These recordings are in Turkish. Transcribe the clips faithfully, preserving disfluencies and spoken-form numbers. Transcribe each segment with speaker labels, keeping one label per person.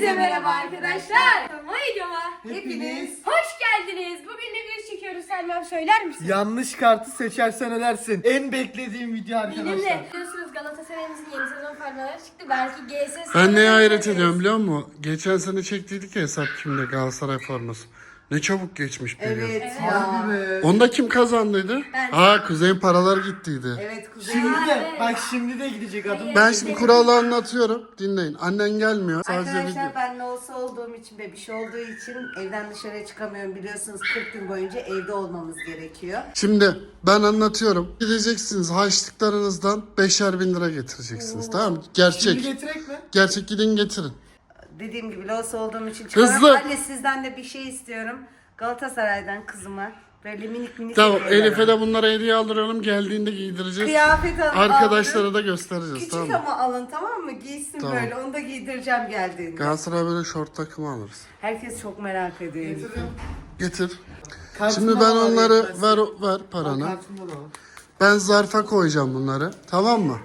Speaker 1: Hepinize merhaba arkadaşlar. Kanalıma videoma
Speaker 2: Hepiniz
Speaker 1: hoş geldiniz. Bugün ne video çekiyoruz Selma'm, söyler misin?
Speaker 2: yanlış kartı seçersen ölersin. En beklediğim video arkadaşlar.
Speaker 1: Benimle. Biliyorsunuz Galatasaray'ımızın yeni sezon formaları çıktı. Belki G S S.
Speaker 3: Ben neye hayret ediyorum biliyor musun? Geçen sene çektiydik ya hesap kimde Galatasaray forması. Ne çabuk geçmiş bir yıl.
Speaker 4: Evet,
Speaker 2: Harbi
Speaker 4: ya.
Speaker 2: be.
Speaker 3: Onda kim kazandıydı?
Speaker 1: Ben.
Speaker 3: Aa Kuzey'in paralar gittiydi.
Speaker 4: Evet Kuzey.
Speaker 2: Şimdi de
Speaker 1: Evet.
Speaker 2: bak şimdi de gidecek adım.
Speaker 3: Ben şimdi kuralı anlatıyorum. Dinleyin. Annen gelmiyor. Sadece video.
Speaker 4: Arkadaşlar ben olsa olduğum için ve bir şey olduğu için evden dışarıya çıkamıyorum, biliyorsunuz kırk gün boyunca evde olmamız gerekiyor.
Speaker 3: Şimdi ben anlatıyorum. Gideceksiniz harçlıklarınızdan beşer bin lira getireceksiniz. Tamam mı?
Speaker 2: Şimdi
Speaker 3: Gerçek.
Speaker 2: getirek mi?
Speaker 3: Gerçek gidin getirin.
Speaker 4: Dediğim gibi olsa olduğum için
Speaker 3: Hızlı.
Speaker 4: çıkamıyorum. Anne sizden de bir şey istiyorum. Galatasaray'dan kızıma böyle minik minik
Speaker 3: Tamam
Speaker 4: hediyeler
Speaker 3: Elif'e
Speaker 4: alın.
Speaker 3: de bunlara hediye aldıralım. Geldiğinde giydireceğiz.
Speaker 4: Kıyafet alın.
Speaker 3: Arkadaşlara
Speaker 4: alın.
Speaker 3: da göstereceğiz.
Speaker 4: Küçük
Speaker 3: Tamam mı?
Speaker 4: ama alın, tamam mı? Giysin
Speaker 3: Tamam.
Speaker 4: böyle. Onu da giydireceğim geldiğinde.
Speaker 3: Galatasaray böyle şort takımı alırız.
Speaker 4: Herkes çok merak ediyor.
Speaker 2: Getiriyorum.
Speaker 3: Getir.
Speaker 2: Kartımda
Speaker 3: Şimdi ben
Speaker 2: da var
Speaker 3: onları
Speaker 2: yetmezse.
Speaker 3: ver ver
Speaker 2: Bak,
Speaker 3: paranı.
Speaker 2: kartımda da var.
Speaker 3: Ben zarfa koyacağım bunları. Tamam mı?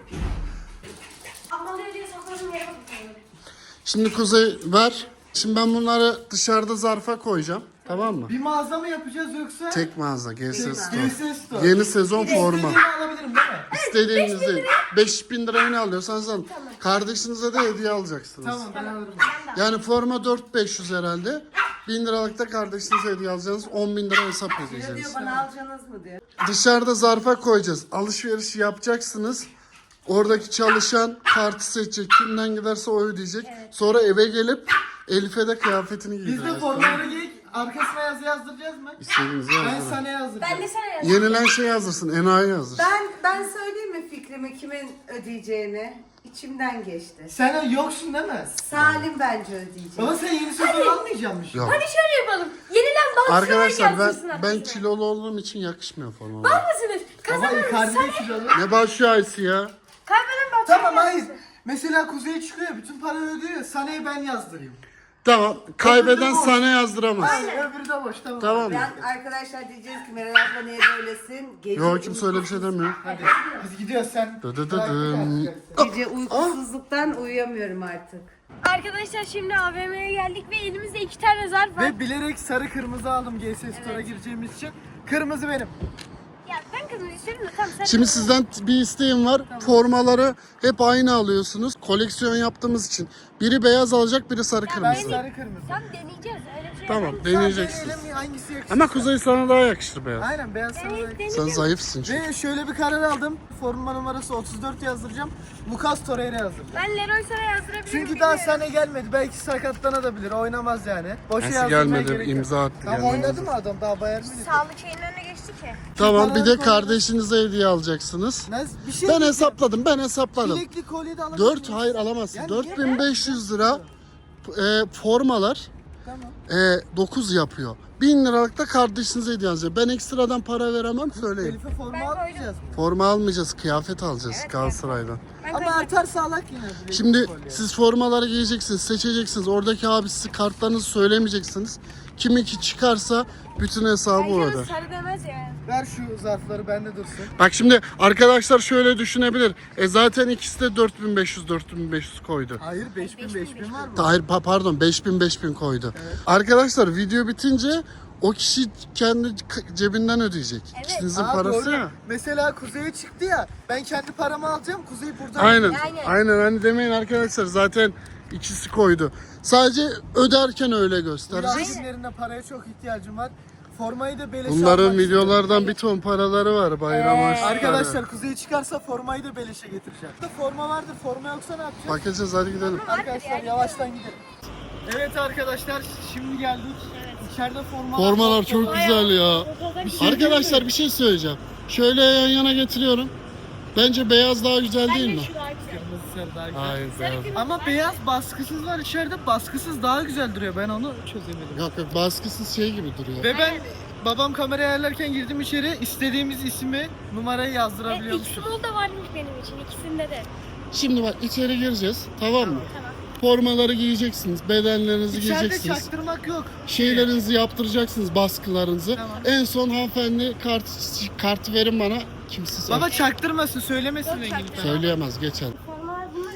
Speaker 1: Akmalı diye sakladım yere bakıyorum.
Speaker 3: Şimdi Kuzey ver. Şimdi ben bunları dışarıda zarfa koyacağım. Tamam mı?
Speaker 2: Bir mağaza mı yapacağız yoksa?
Speaker 3: Tek mağaza G S Store.
Speaker 2: G S Store.
Speaker 3: Yeni sezon forma.
Speaker 2: İstediğimi alabilirim değil mi?
Speaker 3: İstediğinizi beş bin liraya ne alıyorsanız alın. Kardeşinize de hediye alacaksınız.
Speaker 2: Tamam ben alırım.
Speaker 3: Yani forma dört bin beş yüz herhalde. bin liralık da kardeşinize hediye alacaksınız. on bin lira hesap
Speaker 4: Diyor, diyor
Speaker 3: ödeyeceksiniz.
Speaker 4: bana alacaksınız mı diyor.
Speaker 3: Dışarıda zarfa koyacağız. Alışveriş yapacaksınız. Oradaki çalışan kartı seçecek. Kimden giderse o ödeyecek. Sonra eve gelip Elif'e de kıyafetini
Speaker 2: Biz de
Speaker 3: giydireceğiz.
Speaker 2: formaları giyip arkasına yazı yazdıracağız mı?
Speaker 3: İstediğinizi
Speaker 2: Ben
Speaker 3: yazdırın.
Speaker 2: sana yazdıracağım.
Speaker 1: Ben de sana yazdım.
Speaker 3: Yenilen şey yazdırsın. Enayi yazdırsın.
Speaker 4: Ben ben söyleyeyim mi fikrimi kimin ödeyeceğini? İçimden geçti.
Speaker 2: Sen yoksun değil mi?
Speaker 4: Salim bence ödeyecek.
Speaker 2: Baba sen yeni sezon almayacak mısın?
Speaker 3: Yok.
Speaker 1: Hadi şöyle yapalım. Yenilen Galatasaray
Speaker 3: Arkadaşlar
Speaker 1: yazdırsın
Speaker 3: ben ben
Speaker 1: arkasına.
Speaker 3: kilolu olduğum için yakışmıyor forma.
Speaker 1: Var mısınız?
Speaker 2: Baba
Speaker 1: Kazanırız.
Speaker 2: Icardi'de kilo.
Speaker 3: Ne başlıyor Aysi ya?
Speaker 1: Kaybeden Galatasaray
Speaker 2: Tamam hayır.
Speaker 1: yazdırsın.
Speaker 2: Mesela Kuzey çıkıyor bütün parayı ödüyor. Sana'yı ben yazdırayım.
Speaker 3: Tamam. Kaybeden
Speaker 2: boş.
Speaker 3: sana yazdıramaz.
Speaker 2: Aynen. Öbürü de boş tamam.
Speaker 3: Tamam mı?
Speaker 4: Ben arkadaşlar diyeceğiz ki Meral abla niye böylesin? Gece
Speaker 3: Yok kimse öyle bir şey demiyor.
Speaker 2: Hadi biz gidiyoruz sen.
Speaker 3: Dı dı dı
Speaker 2: bırak
Speaker 3: dım.
Speaker 2: bir daha
Speaker 4: Gece uykusuzluktan uyuyamıyorum artık.
Speaker 1: Arkadaşlar şimdi A V M'ye geldik ve elimizde iki tane zarf var.
Speaker 2: Ve bilerek sarı kırmızı aldım G S Store'a gireceğimiz için. Kırmızı benim.
Speaker 1: Ya ben kızım isterim de tamam sen.
Speaker 3: Şimdi sizden bir isteğim var. Formaları hep aynı alıyorsunuz. Koleksiyon yaptığımız için. Biri beyaz alacak, biri sarı
Speaker 2: Ben
Speaker 3: kırmızı.
Speaker 2: sarı kırmızı.
Speaker 1: Tam deneyeceğiz öyle bir şey.
Speaker 3: Tamam,
Speaker 1: yapamayız.
Speaker 3: deneyeceksiniz.
Speaker 2: Deneyelim hangisi yakışır?
Speaker 3: Ama Kuzey sana daha yakışır beyaz.
Speaker 2: Aynen beyaz sarı.
Speaker 1: Evet,
Speaker 2: yakışır.
Speaker 3: Sen zayıfsın çünkü.
Speaker 2: Ve şöyle bir karar aldım. Forma numarası otuz dört yazdıracağım. Lucas Torreira yazdıracağım.
Speaker 1: Ben Leroy sana yazdırabilirim.
Speaker 2: Çünkü daha
Speaker 1: bilmiyorum.
Speaker 2: sene gelmedi. Belki sakatlanabilir. Oynamaz yani. Boşa
Speaker 3: Nasıl
Speaker 2: yazdırmaya
Speaker 3: gelmedi?
Speaker 2: gerek yok.
Speaker 3: İmza attı.
Speaker 2: Tam
Speaker 3: gelmedi.
Speaker 2: oynadı mı adam? Daha Bayern Münih.
Speaker 1: Sağlık şeyinin önüne geçti ki.
Speaker 3: Tamam bir de
Speaker 2: Paraları
Speaker 3: kardeşinize hediye alacaksınız.
Speaker 2: Ne- Bir şey
Speaker 3: Ben
Speaker 2: diyeceğim.
Speaker 3: hesapladım, ben hesapladım.
Speaker 2: Bilekli kolye de alabilir
Speaker 3: dört
Speaker 2: miyim?
Speaker 3: hayır alamazsın.
Speaker 2: Yani
Speaker 3: dört bin beş yüz lira e, formalar
Speaker 2: Tamam.
Speaker 3: e, dokuz yapıyor. bin liralık da kardeşinize hediye alacağım. Ben ekstradan para veremem söyleyeyim.
Speaker 2: Elif'e forma
Speaker 1: Ben
Speaker 2: almayacağız.
Speaker 3: Forma almayacağız, kıyafet alacağız Galatasaray'dan.
Speaker 1: Ben
Speaker 2: Ama
Speaker 1: koydum.
Speaker 2: artarsa alak yine. bilekli
Speaker 3: Şimdi
Speaker 2: kolye.
Speaker 3: siz formaları giyeceksiniz, seçeceksiniz. Oradaki abi sizi kartlarınızı söylemeyeceksiniz. Kiminki çıkarsa bütün hesabı
Speaker 1: Bence
Speaker 3: orada.
Speaker 1: o sarı demez yani.
Speaker 2: Ver şu zarfları bende dursun.
Speaker 3: Bak şimdi arkadaşlar şöyle düşünebilir. E zaten ikisi de dört bin beş yüz dört bin beş yüz koydu.
Speaker 2: Hayır beş bin beş bin var mı?
Speaker 3: Hayır pa- pardon beş bin beş bin koydu. Arkadaşlar video bitince o kişi kendi k- cebinden ödeyecek. İkinizin
Speaker 2: Aa,
Speaker 3: parası
Speaker 2: doğru.
Speaker 3: ya.
Speaker 2: Mesela Kuzey'e çıktı ya. Ben kendi paramı alacağım. Kuzey burada.
Speaker 3: Aynen.
Speaker 1: Aynen.
Speaker 3: Aynen hani demeyin arkadaşlar zaten ikisi koydu. Sadece öderken öyle göstereceğiz.
Speaker 2: Biraz günlerinde paraya çok ihtiyacım var. Formayı da beleşe
Speaker 3: Bunların
Speaker 2: almak
Speaker 3: videolardan bir ton paraları var bayram
Speaker 1: Ee,
Speaker 3: harçlıkları.
Speaker 2: Arkadaşlar Kuzey çıkarsa formayı da beleşe getireceğim. Burada forma vardır. Forma yoksa ne yapacağız?
Speaker 3: Bakacağız hadi gidelim.
Speaker 2: Arkadaşlar yavaştan gidelim. Evet arkadaşlar şimdi geldik. İçeride forma
Speaker 3: Formalar çok güzel ya.
Speaker 2: şey
Speaker 3: Arkadaşlar bir şey söyleyeceğim. Şöyle yan yana getiriyorum. Bence beyaz daha güzel değil mi?
Speaker 1: Şu daha güzel.
Speaker 2: Kırmızı sarı daha güzel.
Speaker 3: Hayır beyaz.
Speaker 2: Ama beyaz baskısız var içeride. Baskısız daha güzel duruyor. Ben onu çözemedim.
Speaker 3: Yok yok baskısız şey gibi duruyor.
Speaker 2: Ve ben babam kamerayı ayarlarken girdim içeri. İstediğimiz ismi, numarayı
Speaker 1: E,
Speaker 2: yazdırabiliyormuşuz.
Speaker 1: X-Mall da varmış benim için ikisinde de.
Speaker 3: Şimdi bak içeri gireceğiz tamam mı?
Speaker 1: Tamam.
Speaker 3: Formaları giyeceksiniz, bedenlerinizi
Speaker 2: İçeride
Speaker 3: giyeceksiniz.
Speaker 2: çaktırmak yok.
Speaker 3: Şeylerinizi yaptıracaksınız, baskılarınızı.
Speaker 2: Tamam.
Speaker 3: En son hanımefendi kart kartı verin bana. Kimse
Speaker 2: Baba çaktırmasın, söylemesin
Speaker 1: Yok,
Speaker 2: rengini
Speaker 1: çaktırma.
Speaker 2: falan.
Speaker 3: söyleyemez geçen.
Speaker 1: Formalar bunlar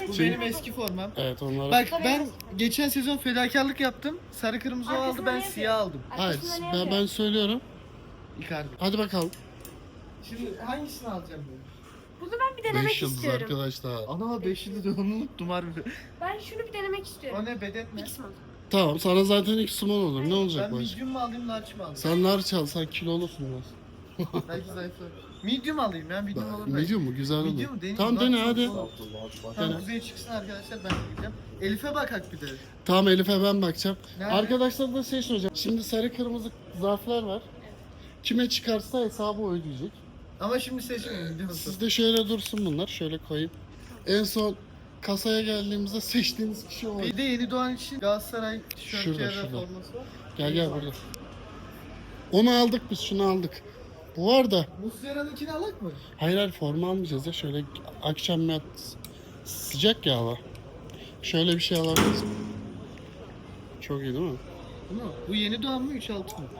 Speaker 2: Bu
Speaker 1: seçim.
Speaker 2: benim eski formam.
Speaker 3: Evet onlara.
Speaker 2: Bak ben geçen sezon fedakarlık yaptım. Sarı kırmızı o aldı,
Speaker 1: Arkasında
Speaker 2: ben
Speaker 1: ne yazıyor?
Speaker 2: siyah aldım.
Speaker 3: Hayır
Speaker 1: Arkasında ne
Speaker 3: ben,
Speaker 1: yazıyor?
Speaker 3: ben söylüyorum.
Speaker 2: Icardi.
Speaker 3: Hadi bakalım.
Speaker 2: Şimdi hangisini alacağım ben?
Speaker 1: Bunu ben bir denemek
Speaker 3: beş yıldız
Speaker 1: istiyorum.
Speaker 3: arkadaşlar.
Speaker 2: Ana beş yıldız onu unuttum harbi.
Speaker 1: Ben şunu bir denemek istiyorum.
Speaker 2: O ne beden mi?
Speaker 1: X-Mod.
Speaker 3: Tamam sana zaten ilk small olur. Ne olacak
Speaker 2: Ben
Speaker 3: başka?
Speaker 2: medium mu alayım, large mı alayım?
Speaker 3: Sen large al, sen kilolusun biraz.
Speaker 2: Belki zayıflar. Medium alayım ya, medium olur belki.
Speaker 3: Medium mu? Güzel olur.
Speaker 2: Medium mu? Deneyim.
Speaker 3: Tamam
Speaker 2: Large
Speaker 3: dene
Speaker 2: çok
Speaker 3: hadi.
Speaker 2: zor. Tamam kuzeye çıksın arkadaşlar, ben de gideceğim. Elif'e bakak bir de.
Speaker 3: Tamam Elif'e ben bakacağım.
Speaker 2: Nerede?
Speaker 3: Arkadaşlar da şey soracağım. Şimdi sarı kırmızı zarflar var. Kime çıkarsa hesabı ödeyecek.
Speaker 2: Ama şimdi seçmeyin biliyor musun?
Speaker 3: Sizde şöyle dursun bunlar. Şöyle koyayım. En son kasaya geldiğimizde seçtiğiniz kişi o.
Speaker 2: Bir de yeni doğan için Galatasaray tişörtü
Speaker 3: Şurada,
Speaker 2: ya da
Speaker 3: şurada.
Speaker 2: forması var.
Speaker 3: Gel gel burada. Onu aldık biz, şunu aldık. Bu var da.
Speaker 2: Muslera'nınkini alak mı?
Speaker 3: Hayır hayır forma almayacağız ya. Şöyle akşam yat sıcak ya hava. Şöyle bir şey alabiliriz. Çok iyi değil mi?
Speaker 2: Bu mu? Bu yeni doğan mı üç altı mı?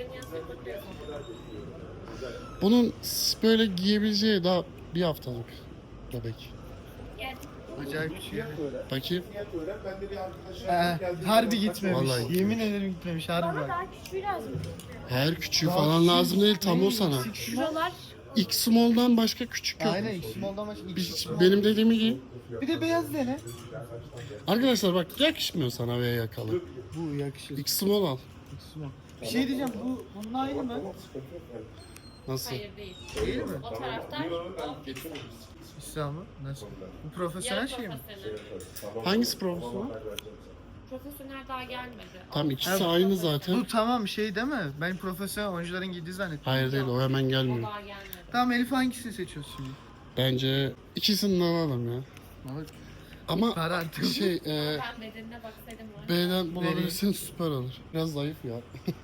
Speaker 3: Bunun böyle giyebileceği daha bir haftalık bebek.
Speaker 2: Acayip bir şey.
Speaker 3: Bakayım.
Speaker 2: Ee, harbi gitmemiş.
Speaker 3: Vallahi
Speaker 2: Yemin ederim gitmemiş harbi
Speaker 1: Bana
Speaker 2: bak.
Speaker 1: daha küçüğü lazım.
Speaker 3: Her küçüğü
Speaker 2: Daha
Speaker 3: falan
Speaker 2: küçük-
Speaker 3: lazım değil, tam o sana.
Speaker 2: Six small.
Speaker 1: Şuralar.
Speaker 3: X small'dan başka küçük yok.
Speaker 2: Aynen X-Small'dan başka
Speaker 3: Biz-
Speaker 2: X small.
Speaker 3: benim dediğimi giy.
Speaker 2: Bir de beyaz dene.
Speaker 3: Arkadaşlar bak yakışmıyor sana V yakalı.
Speaker 2: Bu yakışır.
Speaker 3: X small al.
Speaker 2: X-Small. Bir şey diyeceğim, bu bunun aynı mı?
Speaker 3: Nasıl?
Speaker 5: Hayır değil.
Speaker 2: Değil mi?
Speaker 5: O taraftar o
Speaker 2: İslam mı? Nasıl? Bu profesyonel
Speaker 5: yarı
Speaker 2: şey mi?
Speaker 5: profesyonel.
Speaker 3: Hangisi profesyonel?
Speaker 5: Profesyonel daha gelmedi.
Speaker 3: Tam ikisi aynı zaten.
Speaker 2: Bu tamam şey değil mi? Ben profesyonel oyuncuların giydiği zannettim.
Speaker 3: Hayır değil, o hemen
Speaker 5: O
Speaker 3: gelmiyor.
Speaker 5: daha gelmedi.
Speaker 2: Tamam Elif hangisini seçiyorsun şimdi?
Speaker 3: Bence ikisini de alalım ya.
Speaker 2: Ama
Speaker 3: Ama
Speaker 2: para artık.
Speaker 3: şey e,
Speaker 5: Ben bedenine baksaydım var.
Speaker 3: B'den bulabilirsin süper olur. Biraz zayıf ya.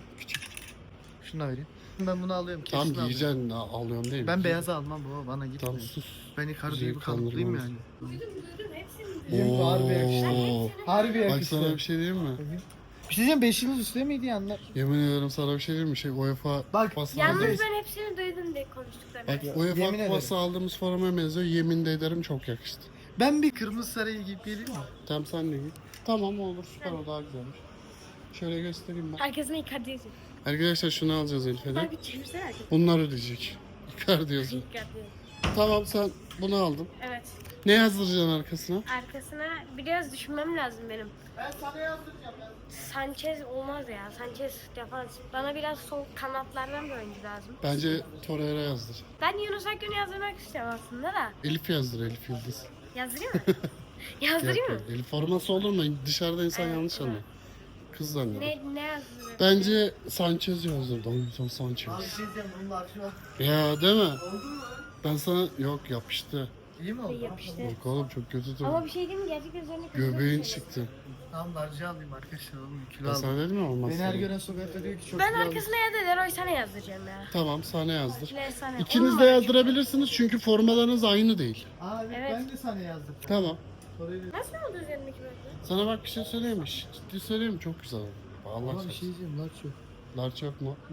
Speaker 2: Şunu da vereyim. Ben bunu alıyorum. Kesin
Speaker 3: Tam
Speaker 2: alıyorum.
Speaker 3: giyeceksin, a- alıyorum değil mi?
Speaker 2: Ben beyazı almam baba, bana
Speaker 3: Tam
Speaker 2: gitmiyor.
Speaker 3: sus.
Speaker 2: Ben yukarıda
Speaker 3: Bizi
Speaker 2: gibi kalıplıyım
Speaker 3: kandırmamız.
Speaker 2: yani.
Speaker 1: Duydum duydum hepsini.
Speaker 2: Yemin harbi yakıştı.
Speaker 3: Oo.
Speaker 2: Harbi
Speaker 3: Bak
Speaker 2: yakıştı.
Speaker 3: sana bir şey diyeyim mi?
Speaker 2: Bir şey diyeceğim, beş yıldız üstte miydi ya anlar?
Speaker 3: Yemin ediyorum sana bir şey diyeyim mi? Şey UEFA
Speaker 2: Bak,
Speaker 3: kupası
Speaker 1: Yalnız
Speaker 3: aldığımız.
Speaker 1: ben hepsini duydum diye konuştuklarını.
Speaker 3: Bak UEFA
Speaker 2: yemin
Speaker 3: kupası aldığımız formaya benziyor. Yemin de ederim çok yakıştı.
Speaker 2: Ben bir kırmızı sarayı giyip geleyim mi?
Speaker 3: Tamam sen de giy. Tamam olur süper, o daha güzelmiş. Şöyle göstereyim ben.
Speaker 1: Arkasına Icardi yazıyor.
Speaker 3: Arkadaşlar şunu alacağız Elif'e de.
Speaker 1: Bak bir çevirsene arkasına.
Speaker 3: Bunlar ödeyecek. Icardi yazıyor.
Speaker 1: Icardi.
Speaker 3: Tamam sen bunu aldın.
Speaker 1: Evet.
Speaker 3: Ne yazdıracaksın arkasına?
Speaker 1: Arkasına biraz düşünmem lazım benim.
Speaker 2: Ben sana yazdıracağım ya.
Speaker 1: Sanchez olmaz ya. Sanchez defans. Bana biraz sol kanatlardan bir oyuncu lazım.
Speaker 3: Bence Torreira yazdır.
Speaker 1: Ben Yunus Akgün'ü yazdırmak istiyorum aslında da.
Speaker 3: Elif yazdır, Elif Yıldız.
Speaker 1: Yazdırayım mı? Yazdırayım mı?
Speaker 3: Yok, yok. Elif forması olur mu? Dışarıda insan yanlış anlar. Kız zanneder.
Speaker 1: Ne, ne yazdırayım?
Speaker 3: Bence Sanchez yazdır. Davinson Sanchez.
Speaker 2: Abi bir şey diyeceğim, bunlar şu an.
Speaker 3: Ya değil mi?
Speaker 2: Oldu mu?
Speaker 3: Ben sana yok yapıştı.
Speaker 2: İyi mi oldu?
Speaker 1: Yapıştı.
Speaker 3: Yok oğlum çok kötü
Speaker 1: Ama
Speaker 3: durdu.
Speaker 1: bir şey diyeyim mi? Gerçekten üzerine
Speaker 3: Göbeğin çıktı.
Speaker 2: Tamam larcı alayım arkadaşlar, oğlum kilo
Speaker 3: Ben
Speaker 2: aldım.
Speaker 3: sana dedim mi olmaz.
Speaker 2: Beni her
Speaker 3: sana.
Speaker 2: gören sokakta diyor ki çok
Speaker 1: Ben
Speaker 2: kilo aldım.
Speaker 1: arkasına ya da Leroy sana yazdıracağım ya.
Speaker 3: Tamam sana yazdır.
Speaker 1: Leroy sana.
Speaker 3: İkiniz
Speaker 1: On
Speaker 3: de
Speaker 1: numara.
Speaker 3: yazdırabilirsiniz çünkü formalarınız aynı değil.
Speaker 2: Aa evet,
Speaker 1: Evet.
Speaker 2: ben de sana yazdım.
Speaker 3: Tamam.
Speaker 2: Orayı
Speaker 1: Nasıl oldu üzerindeki böyle?
Speaker 3: Sana bak bir şey söyleyeyim mi? Şş, Ciddi söyleyeyim mi? Çok güzel oldu. Allah
Speaker 2: Ama bir
Speaker 3: çarpsın.
Speaker 2: şey diyeceğim, large yok.
Speaker 3: Large yok mu?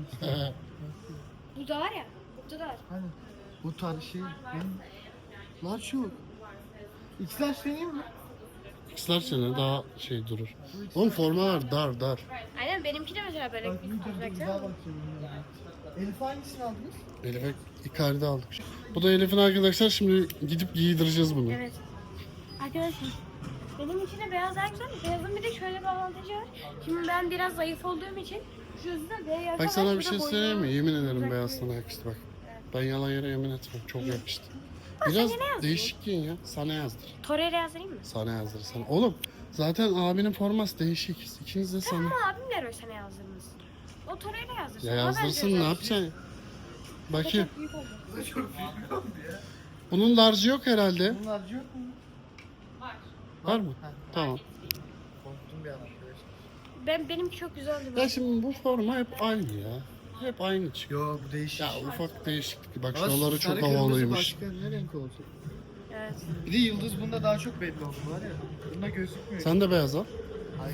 Speaker 1: Bu da var ya. Bu da var.
Speaker 2: Hani bu tarz şey benim large yok. X-Large deneyeyim mi?
Speaker 3: X'ler sene daha şey durur. Oğlum formalar dar dar.
Speaker 1: Aynen benimki de mesela böyle
Speaker 2: Bak
Speaker 1: bir
Speaker 2: bir dur dur
Speaker 1: baksana.
Speaker 2: güzel bakıyorum. Elif hangisini aldınız?
Speaker 3: Elif'e Icardi aldık. Bu da Elif'in arkadaşlar, şimdi gidip giydireceğiz bunu.
Speaker 1: Evet. Arkadaşlar benim için de beyaz daha güzel. Beyazın bir de şöyle bir avantajı var. Şimdi ben biraz zayıf olduğum için şu yüzden beyaz.
Speaker 3: Bak sana bir şey söyleyeyim mi? Yemin ederim beyaz sana yakıştı bak. Ben yalan yere yemin etmem. Çok yakıştı. Biraz değişik giyin ya. Sana yazdır.
Speaker 1: Torreira yazdırayım mı?
Speaker 3: Sana yazdır sana. Oğlum zaten abinin forması değişik. İkiniz de sana.
Speaker 1: Ama abim Leroy sana yazdırmış. O Torreira yazdırsın.
Speaker 3: Ya
Speaker 1: Ona
Speaker 3: yazdırsın
Speaker 1: benziyor
Speaker 3: ne
Speaker 1: zaten.
Speaker 3: yapacaksın? Bakayım.
Speaker 1: Çok büyük oldu.
Speaker 2: Çok büyük oldu ya.
Speaker 3: Bunun large'ı yok herhalde.
Speaker 2: Bunun large yok mu?
Speaker 5: Var.
Speaker 3: Var mı?
Speaker 2: Ha.
Speaker 3: Tamam.
Speaker 2: Korktum bir an arkadaşlar.
Speaker 1: Ben benimki çok güzel oldu.
Speaker 3: Ya şimdi bu forma hep aynı ya. Hep aynı çıkıyor.
Speaker 2: Yo bu değişik.
Speaker 3: Ya ufak değişiklik. Bak
Speaker 2: Ama
Speaker 3: şuraları
Speaker 2: sarı
Speaker 3: çok
Speaker 2: kırmızı
Speaker 3: havalıymış.
Speaker 2: Başka ne renk olacak?
Speaker 1: Evet.
Speaker 2: Bir de yıldız bunda daha çok belli oldu var ya. Bunda gözükmüyor.
Speaker 3: Sen de beyaz al.
Speaker 2: Ay.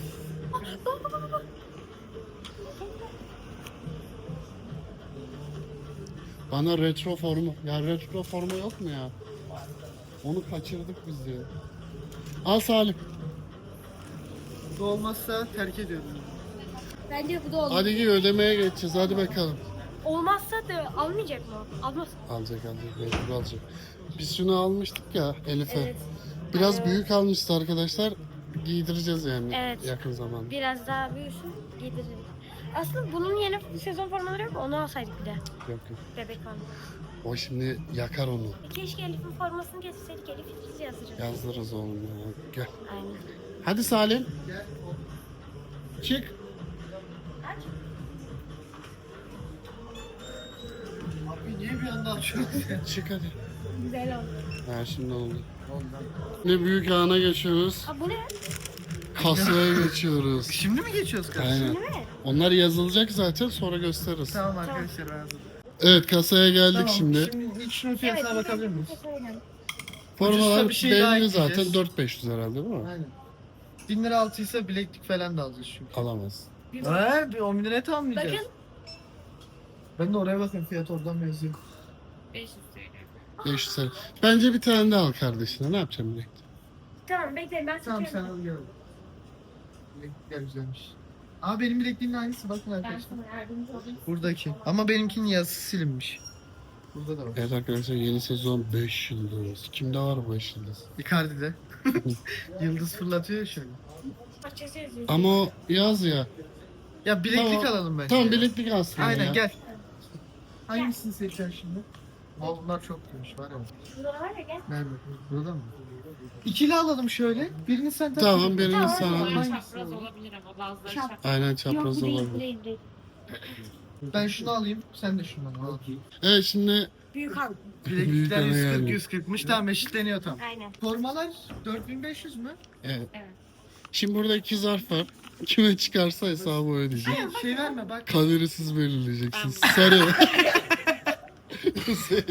Speaker 3: Bana retro forma. Ya retro forma yok mu ya? Onu kaçırdık biz ya. Al Salim.
Speaker 2: Bu olmazsa terk ediyorum.
Speaker 1: Bence bu da olur.
Speaker 3: Hadi giy, ödemeye geçeceğiz. Hadi bakalım.
Speaker 1: Olmazsa da almayacak mı? Almaz.
Speaker 3: Alacak alacak. Mecbur alacak. Biz şunu almıştık ya Elif'e.
Speaker 1: Evet.
Speaker 3: Biraz
Speaker 1: Evet.
Speaker 3: büyük almıştı arkadaşlar. Giydireceğiz yani
Speaker 1: Evet.
Speaker 3: yakın zamanda.
Speaker 1: Biraz daha büyüsün giydiririz. Aslında bunun yeni sezon formaları yok mu? Onu alsaydık bir de.
Speaker 3: Yok yok.
Speaker 1: Bebek forması.
Speaker 3: O şimdi yakar onu.
Speaker 1: E keşke Elif'in formasını getirseydik. Elif İdris yazdırırız.
Speaker 3: Yazdırırız oğlum ya. Gel.
Speaker 1: Aynen.
Speaker 3: Hadi Salim. Çık.
Speaker 1: Aç.
Speaker 2: Abi niye bir anda açıyorsun?
Speaker 3: Çık hadi.
Speaker 1: Güzel oldu.
Speaker 3: Ha şimdi oldu. Ne büyük ana geçiyoruz.
Speaker 1: Aa bu ne?
Speaker 3: Kasaya geçiyoruz.
Speaker 2: Şimdi mi geçiyoruz kardeşim?
Speaker 3: Aynen.
Speaker 1: Değil mi?
Speaker 3: Onlar yazılacak zaten, sonra gösteririz.
Speaker 2: Tamam arkadaşlar ben hazırım.
Speaker 3: Evet, kasaya geldik
Speaker 2: Tamam,
Speaker 3: şimdi.
Speaker 2: Şimdi ilk şunun fiyatına bakabilir miyiz?
Speaker 3: Formalar
Speaker 2: ucuzsa bir şey daha
Speaker 3: belli
Speaker 2: ekleyeceğiz.
Speaker 3: zaten, dört bin beş yüz herhalde değil mi?
Speaker 2: Aynen. bin lira altıysa bileklik falan da alacağız çünkü.
Speaker 3: Alamaz.
Speaker 2: He, bir on bin liraya tamamlayacağız.
Speaker 1: Bakın.
Speaker 2: Ben de oraya bakayım, fiyat oradan mı yazıyor?
Speaker 5: beş yüz T L.
Speaker 3: beş yüz lira. Bence bir tane daha al kardeşine. Ne yapacağım bileklik?
Speaker 1: Tamam bekleyin ben
Speaker 2: Tamam sen
Speaker 1: seçiyorum.
Speaker 2: al gel. Bileklikler güzelmiş. Aa benim bilekliğimin aynısı, bakın
Speaker 5: Ben
Speaker 2: arkadaşlar.
Speaker 5: sana yardımcı olayım.
Speaker 2: Buradaki. Ama benimkinin yazısı silinmiş. Burada da var.
Speaker 3: Evet arkadaşlar, yeni sezon beş yıldız. Kimde var bu beş yıldız?
Speaker 2: Icardi'de. Yıldız fırlatıyor ya şöyle.
Speaker 1: Açıkçası yazıyor.
Speaker 3: Ama o yaz ya.
Speaker 2: Ya bileklik
Speaker 3: Tamam.
Speaker 2: alalım bence.
Speaker 3: Tamam,
Speaker 2: ya.
Speaker 3: bileklik aslında
Speaker 2: Aynen
Speaker 3: ya.
Speaker 2: gel. Hangisini seçeceksin şimdi? Aa bunlar çok gümüş var ya.
Speaker 1: Burada var ya gel.
Speaker 2: Nerede? Burada mı? İkili alalım şöyle. Birini sen tak.
Speaker 3: Tamam, birini
Speaker 1: Tamam,
Speaker 3: sen al.
Speaker 5: Bazıları
Speaker 2: Hangisi
Speaker 5: çapraz
Speaker 2: olur?
Speaker 5: olabilir ama bazıları
Speaker 1: Çap-
Speaker 5: çapraz.
Speaker 3: Aynen,
Speaker 1: Yok
Speaker 3: çapraz
Speaker 1: bu değil, bu
Speaker 3: olabilir.
Speaker 1: değil, bu değil.
Speaker 2: Ben şunu alayım. Sen de şundan al.
Speaker 3: Evet şimdi
Speaker 1: Büyük al.
Speaker 3: Büyük
Speaker 2: Bileklikler
Speaker 3: ana
Speaker 2: yüz kırk
Speaker 3: geldi.
Speaker 2: yüz kırkmış. Tamam eşitleniyor tam.
Speaker 1: Aynen.
Speaker 2: Formalar dört bin beş yüz mü?
Speaker 3: evet.
Speaker 5: Evet.
Speaker 3: Şimdi burada iki zarf var. Kime çıkarsa hesabı ödeyecek.
Speaker 2: Şey, şey verme bak.
Speaker 3: Kaderi siz belirleyeceksiniz. Sarı. Kuzey.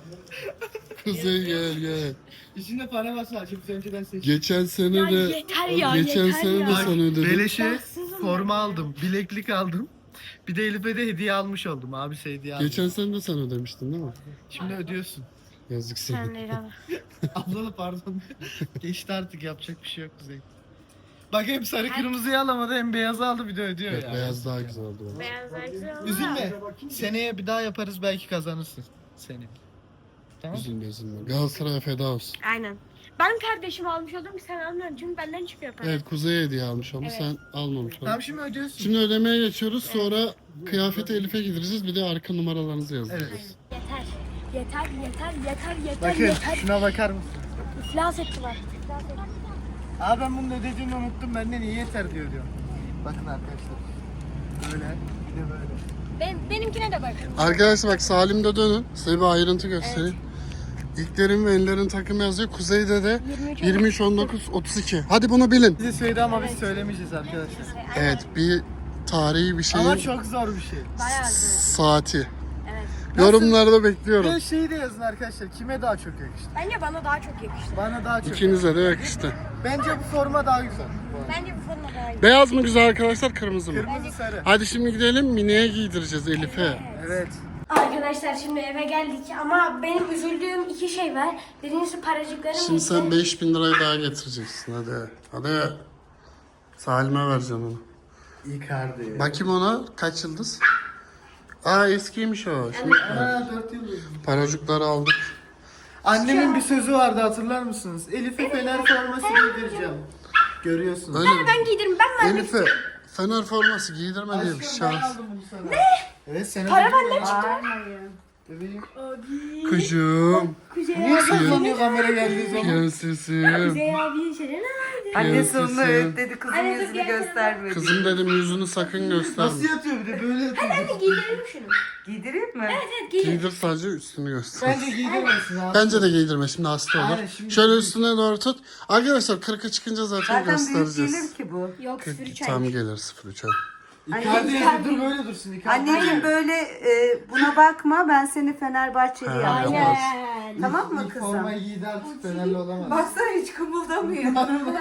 Speaker 3: Kuzey gel gel.
Speaker 2: İçinde para varsa açıp önceden seç.
Speaker 3: Geçen sene
Speaker 1: Ya
Speaker 3: de
Speaker 1: yeter ya,
Speaker 3: geçen
Speaker 1: yeter
Speaker 3: sene
Speaker 1: ya.
Speaker 3: de sana ödedim.
Speaker 2: Beleşe
Speaker 1: Baksızım
Speaker 2: forma
Speaker 1: ben.
Speaker 2: aldım. Bileklik aldım. Bir de Elif'e de hediye almış oldum. Abisi hediye aldı.
Speaker 3: Geçen sene de sen ödemiştin değil mi?
Speaker 2: Şimdi ödüyorsun.
Speaker 3: Yazık
Speaker 1: Sen
Speaker 3: sana.
Speaker 1: de al.
Speaker 2: Abla pardon. Geçti artık, yapacak bir şey yok Kuzey. Bak hem sarı kırmızıyı alamadı hem beyazı aldı, bir de ödüyor
Speaker 3: Evet,
Speaker 2: ya.
Speaker 3: beyaz daha güzel oldu. bence.
Speaker 1: Beyazlar güzel ama.
Speaker 2: Üzülme. Seneye bir daha yaparız, belki kazanırsın. Seni. Tamam.
Speaker 3: Üzülme üzülme. Galatasaray'a feda olsun.
Speaker 1: Aynen. Ben kardeşim almış oldum, sen almıyorsun çünkü benden çıkıyor para.
Speaker 3: Evet, Kuzey hediye almış onu,
Speaker 1: Evet.
Speaker 3: sen almamış oldun.
Speaker 2: Tamam şimdi ödüyorsun.
Speaker 3: Şimdi ödemeye geçiyoruz, sonra kıyafeti Elif'e gideceğiz, bir de arka numaralarınızı yazacağız.
Speaker 2: Evet.
Speaker 1: Yeter. Yeter, yeter, yeter, yeter,
Speaker 2: Bakın
Speaker 1: yeter.
Speaker 2: şuna bakar mısın?
Speaker 1: İflas ettiler. İflas ettiler.
Speaker 2: Abi ben bunun ödediğini unuttum, benden iyi yeter diyor diyor. Bakın arkadaşlar. Böyle, bir de böyle.
Speaker 1: Ben, benimkine de bakın.
Speaker 3: Arkadaşlar bak, Salim'de dönün, size bir ayrıntı göstereyim. İlklerin ve enlerin takımı yazıyor, Kuzey'de de yirmi üç on dokuz otuz iki. Hadi bunu bilin.
Speaker 2: Bize söyledi ama biz söylemeyeceğiz arkadaşlar.
Speaker 3: Evet, bir tarihi bir
Speaker 2: Ama
Speaker 3: şeyin
Speaker 2: çok zor bir şey.
Speaker 1: Bayağı güzel.
Speaker 3: saati.
Speaker 1: Evet.
Speaker 3: Yorumlarda bekliyorum.
Speaker 2: Ve şeyi de yazın arkadaşlar, kime daha çok yakıştı?
Speaker 1: Bence bana daha çok yakıştı.
Speaker 2: Bana daha çok.
Speaker 3: İkinize de yakıştı.
Speaker 2: Bence bu forma daha güzel.
Speaker 1: Bence bu forma daha iyi.
Speaker 3: Beyaz mı güzel arkadaşlar, kırmızı mı?
Speaker 2: Kırmızı sarı.
Speaker 3: Hadi şimdi gidelim, Mine'ye giydireceğiz Elif'e.
Speaker 2: Evet.
Speaker 1: Arkadaşlar şimdi eve geldik ama benim üzüldüğüm iki şey var. Birincisi paracıklarım
Speaker 3: Şimdi
Speaker 1: gitti.
Speaker 3: sen beş bin lirayı daha getireceksin, hadi. Hadi. Salim'e vereceğim onu.
Speaker 2: Icardi.
Speaker 3: Bakayım ona, kaç yıldız? Aa, eskiymiş o. Şimdi
Speaker 2: Aa, dört yıl oldu.
Speaker 3: paracıkları aldık.
Speaker 2: Annemin bir sözü vardı, hatırlar mısınız? Elif'e Fener forması giydireceğim. Görüyorsunuz.
Speaker 3: Öyle mi?
Speaker 1: Ben giydiririm, ben vermek
Speaker 3: Elif'e Fener forması giydirme diye bir
Speaker 2: Aşkım
Speaker 3: şey.
Speaker 2: ben aldım bunu sana. Ne? Evet sen
Speaker 1: Para
Speaker 2: aldın.
Speaker 1: benden çıktı.
Speaker 2: Bebeğim.
Speaker 3: Kuşum,
Speaker 1: Kuzey
Speaker 2: Niye
Speaker 1: abi.
Speaker 2: saklanıyor kamera geldiği zaman?
Speaker 3: prensesim.
Speaker 1: Kuzey abi şeyler ne?
Speaker 4: Annesi onu
Speaker 3: Prensesim.
Speaker 4: öğütledi, kızın
Speaker 1: Anne, dur,
Speaker 4: yüzünü
Speaker 1: gel, gel.
Speaker 4: göstermedi.
Speaker 3: Kızım dedim, yüzünü sakın gösterme.
Speaker 2: Nasıl yatıyor bir de böyle yatıyor.
Speaker 1: Hadi giydirelim şunu.
Speaker 4: Giydireyim mi?
Speaker 1: Evet giydir.
Speaker 3: Giydir, sadece üstünü göster.
Speaker 2: Bence giydirmesin abi.
Speaker 3: Bence de giydirme, şimdi hasta olur.
Speaker 2: Aynen, şimdi-
Speaker 3: Şöyle üstüne doğru tut. Arkadaşlar kırka çıkınca zaten,
Speaker 4: Zaten büyük
Speaker 3: göstereceğiz.
Speaker 4: gelir ki bu.
Speaker 1: Yok sıfır üç
Speaker 3: Tam
Speaker 1: ay.
Speaker 3: gelir sıfır üç ay.
Speaker 2: Icardi yani, dur böyle dursun Icardi.
Speaker 4: Anneciğim böyle e, buna bakma, ben seni Fenerbahçeli
Speaker 3: Ha,
Speaker 4: yapacağım.
Speaker 3: yapmaz.
Speaker 1: Aynen.
Speaker 4: Tamam mı
Speaker 2: İlk
Speaker 4: kızım?
Speaker 2: formayı giydi artık, Fenerli olamaz.
Speaker 4: Baksana hiç kımıldamıyor.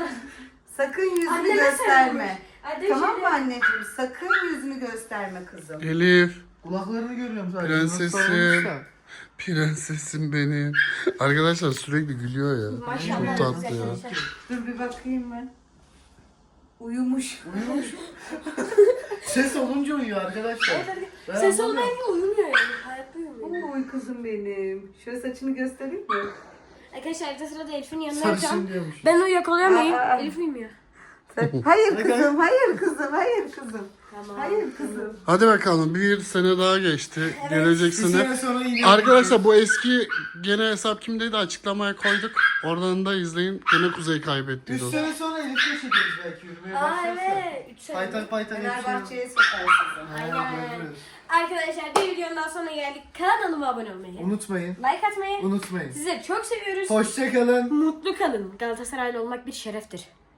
Speaker 4: Sakın yüzünü
Speaker 1: Anneme
Speaker 4: gösterme.
Speaker 1: Hadi
Speaker 4: Tamam
Speaker 1: şimdi-
Speaker 4: mı anneciğim? Sakın yüzünü gösterme kızım.
Speaker 3: Elif,
Speaker 2: Kulaklarını görüyorum sadece.
Speaker 3: Prensesim.
Speaker 2: Nasıl olmuş da.
Speaker 3: Prensesim benim. Arkadaşlar sürekli gülüyor ya.
Speaker 1: Maşallah.
Speaker 3: Çok tatlı ya.
Speaker 4: Dur bir bakayım ben. Uyumuş.
Speaker 2: Uyumuş. Ses olunca uyuyor arkadaşlar. Ben
Speaker 1: Ses
Speaker 2: anlamıyorum.
Speaker 1: olmayınca uyumuyor yani. Hayatta uyumuyor.
Speaker 4: Ama uy kızım benim. Şöyle saçını göstereyim mi?
Speaker 1: Arkadaşlar arada sırada Elif'in yanına
Speaker 2: Sarışın
Speaker 1: yapacağım.
Speaker 2: diyormuş.
Speaker 1: Ben uyuyakalayamıyorum.
Speaker 4: Aa.
Speaker 1: Elif uyumuyor.
Speaker 4: Hayır kızım, hayır kızım, hayır kızım.
Speaker 1: Tamam.
Speaker 4: Hayır kızım.
Speaker 3: Hadi bakalım bir sene daha geçti. Gelecek
Speaker 2: Bir
Speaker 3: sene.
Speaker 2: sene sonra yine
Speaker 3: Arkadaşlar bu eski gene hesap kimdeydi açıklamaya koyduk. Oradan da izleyin. Gene Kuzey kaybettiydi
Speaker 2: üç
Speaker 3: o.
Speaker 2: sene sonra Elif'le çekeriz belki yürümeye
Speaker 1: Aa
Speaker 2: başlarsa.
Speaker 1: evet. Üç sene.
Speaker 2: Paytak paytak hepsi.
Speaker 4: Fenerbahçe'ye sokar sizi.
Speaker 1: Aynen. Arkadaşlar bir videonun daha sonuna geldik. Kanalıma abone olmayı,
Speaker 2: Unutmayın.
Speaker 1: like atmayı.
Speaker 2: Unutmayın.
Speaker 1: Sizleri çok seviyoruz.
Speaker 2: Hoşça kalın.
Speaker 1: Mutlu kalın. Galatasaraylı olmak bir şereftir.